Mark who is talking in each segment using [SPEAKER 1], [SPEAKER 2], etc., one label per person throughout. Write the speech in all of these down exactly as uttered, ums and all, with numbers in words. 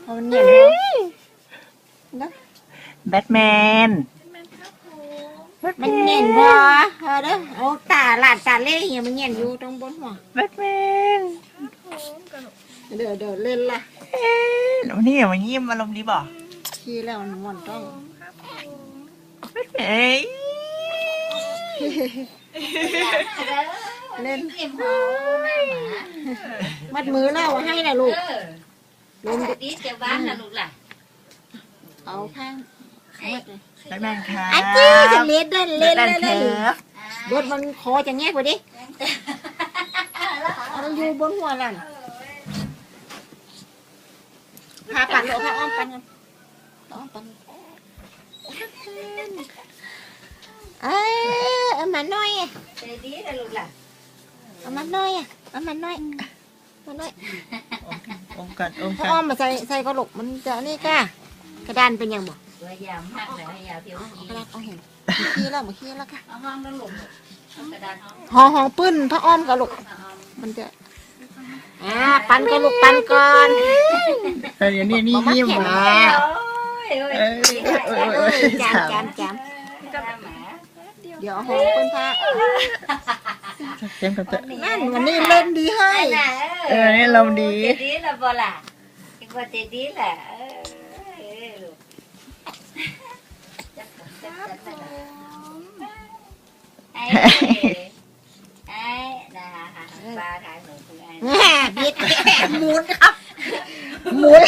[SPEAKER 1] เขาเนียนนะ
[SPEAKER 2] แบทแมน
[SPEAKER 1] มันเนียนพอเออเด้อโอ้ตาหลานตาเล่เหี้ยมันเนียนอยู่ตรงบนหัว
[SPEAKER 2] แบทแมน
[SPEAKER 1] เดี๋ยวเดี๋ยวเล่นละ
[SPEAKER 2] เอ๊ะวันนี้อย่างวันนี้มาลมณ์ดีบ่
[SPEAKER 1] ขี้แล้วมันม่วนต้อง
[SPEAKER 2] แบทแมน
[SPEAKER 1] เล่นมัดมือแล้วให้นะลูกลม
[SPEAKER 3] ดีเจ้าบ้านนะลูกล่ะ
[SPEAKER 1] เอาข้างมัดเลย
[SPEAKER 2] แบทแมนค่ะ
[SPEAKER 1] อาจี้จะเล่นเล่นเล่นเล่นเล่นรถมันคอจะแงกไปดิมันอยู่บนหัวนั่นพาปั่นลูกพาอ้อมปั่นกันอ้อมปั่นเออเอามาหน่อย
[SPEAKER 3] ใจดีนะลูกล่ะ
[SPEAKER 1] เอามาหน่อยเอามาหน่อยมาหน่อย
[SPEAKER 2] อมกันอม
[SPEAKER 1] พอ
[SPEAKER 2] กัน
[SPEAKER 1] อ้อมมาใส่ใส่กระโหลกมันจะนี่ก้ากระดานเป็นยังบ่
[SPEAKER 3] ตัวยาวมากเลยยาวเที่ยวขี้
[SPEAKER 1] กระดานเอาเห็นขี้แล้วมาขี้แล้วค่ะ
[SPEAKER 3] เอาห้องแล้วหลงกระดานห้อง
[SPEAKER 1] หอหอปื้นพระอ้อมกระโหลกมันจะอ่าปั่นกระโหลกปั่นก่อน
[SPEAKER 2] แต่เดี๋ยวนี้นี่ยิ้มมา
[SPEAKER 1] จามจามจามเดี๋ยวหอปื้นพระ
[SPEAKER 2] เต็มกันเตะ
[SPEAKER 1] นั่นวันนี้เล่นดีให้
[SPEAKER 2] เออนี่ลมดี
[SPEAKER 3] ดีละบ่ล่ะอีกว่าใจดีแหละไอ้ไอ้นะคะปลาขายหมูคือไอ้
[SPEAKER 1] บิดหมุนครับหมุน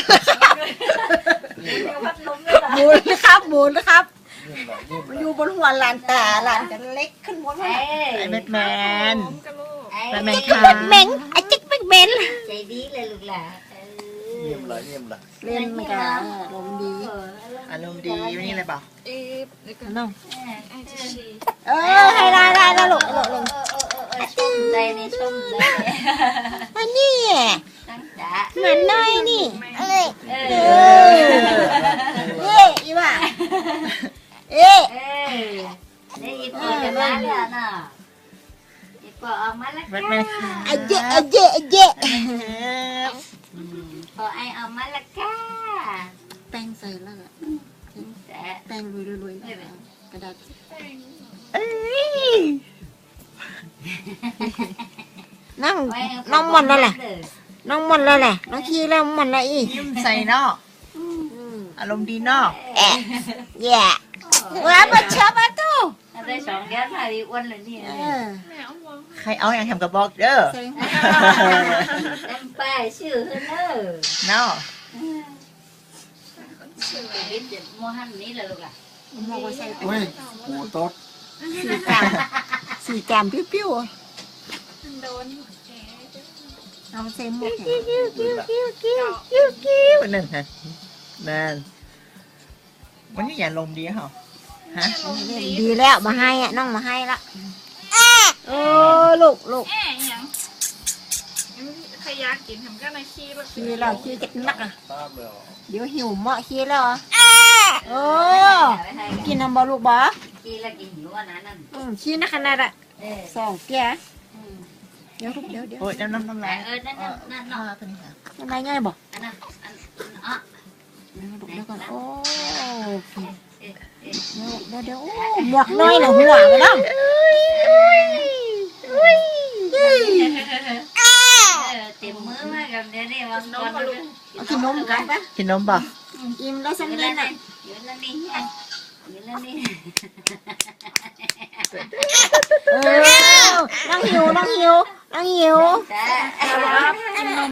[SPEAKER 1] หมุนครับหมุนครับมันอยู่บนหัวหลานตาหลานจะเล็กขึ้นบนหัว
[SPEAKER 2] ไอ้แบทแมน
[SPEAKER 1] แบทแมนค่ะแบทแมนไอ้จิ๊กแบทแมน
[SPEAKER 3] ใจดีเลยลูกหล่ะ
[SPEAKER 4] เงียบละเงียบละ
[SPEAKER 1] เล่นมันก็อารมณ์ดี
[SPEAKER 2] อารมณ์ดีวันนี้อะไรเปล่า
[SPEAKER 1] น้องเออให้ได้ได้แล้วลูกลูกลูก
[SPEAKER 3] ชมใจนี่ชมใจ
[SPEAKER 1] อันนี้เหมือนน้อยนี่เอ้ยเอ้เอ้ยอีว่าเอ้
[SPEAKER 3] เอ้ยนี่อีปอจะมาแล้วเนาะอีปอออกมาแล้ว
[SPEAKER 2] ค่ะ
[SPEAKER 1] ไอ้เจ๊ไอ้เจ๊ไอ้เจ๊
[SPEAKER 3] พอไอออกมาแล้วค่ะ
[SPEAKER 1] แป้งใส่แล้วอะแป้งรวยๆกระดาษนั่งน้องมันแล้วแหละน้องมันแล้วแหละน้องขี้แล้วมันละอี
[SPEAKER 2] ยิ้มใส่เนาะอารมณ์ดีเนาะ
[SPEAKER 1] แอะแย่ว้ามาชอบมาตู้
[SPEAKER 3] ได้สองเดือนมาดีอ้วนเลยนี่
[SPEAKER 2] ใครเอาอย่างทำกับบอกเด้อ
[SPEAKER 3] เต็มป้ายชื่อเนอ
[SPEAKER 2] เนาะ
[SPEAKER 3] วิทย์โมหันนี้เลยลูกล่ะ
[SPEAKER 1] มองว่าใส่
[SPEAKER 4] เฮ้ยหมูต๊ด
[SPEAKER 1] สี่กามสี่กามปิ้วๆโดนเอาเซมหมด
[SPEAKER 2] กิ้วกิ้วกิ้วกิ้วกิ้วกิ้วกิ้วนั่นฮะนั่นวันนี้อย่าลมดีเหรอฮะ
[SPEAKER 1] ดีแล้วมาให้อ่ะน้องมาให้ละโอ้ลูกลูก
[SPEAKER 5] ใครอยากกินทำก็ในขี้แบบ
[SPEAKER 1] ขี้แล้วขี้จะนักอ่ะเดี๋ยวหิวเหมาะขี้แล้วอ่ะโอ้กินน้ำบอลูกบอ
[SPEAKER 3] ขี้แล้วกินหิวอันนั้น
[SPEAKER 1] อืมขี้นักขนาดอ่ะสองแก่เดี๋ยวลูกเดี๋ยวเดี๋ยว
[SPEAKER 2] โอ้ยน้ำน้ำน้ำลาย
[SPEAKER 3] เออนั่นนั่นนั่น
[SPEAKER 2] ตัวนี้ค่ะ
[SPEAKER 1] น้ำลายง่ายบ่
[SPEAKER 3] อันนั้นอันอ่ะ
[SPEAKER 1] เดี๋ยวลูกเดี๋ยวก่อนโอ้เดี๋ยวเดี๋ยวโอ้หมวกน้อยหน่ะหัวไปน้อง
[SPEAKER 3] เต็มมือมากับเดี๋ยวนี้วันก่อน
[SPEAKER 1] เอากินนมกันปะ
[SPEAKER 2] กินนมป่ะ
[SPEAKER 1] อิ่มแล้วสักนิดน่ะ
[SPEAKER 3] อยู่แล้วนี่อยู่แล้วนี่
[SPEAKER 1] เออนั่งหิวนั่งหิวนั่งหิว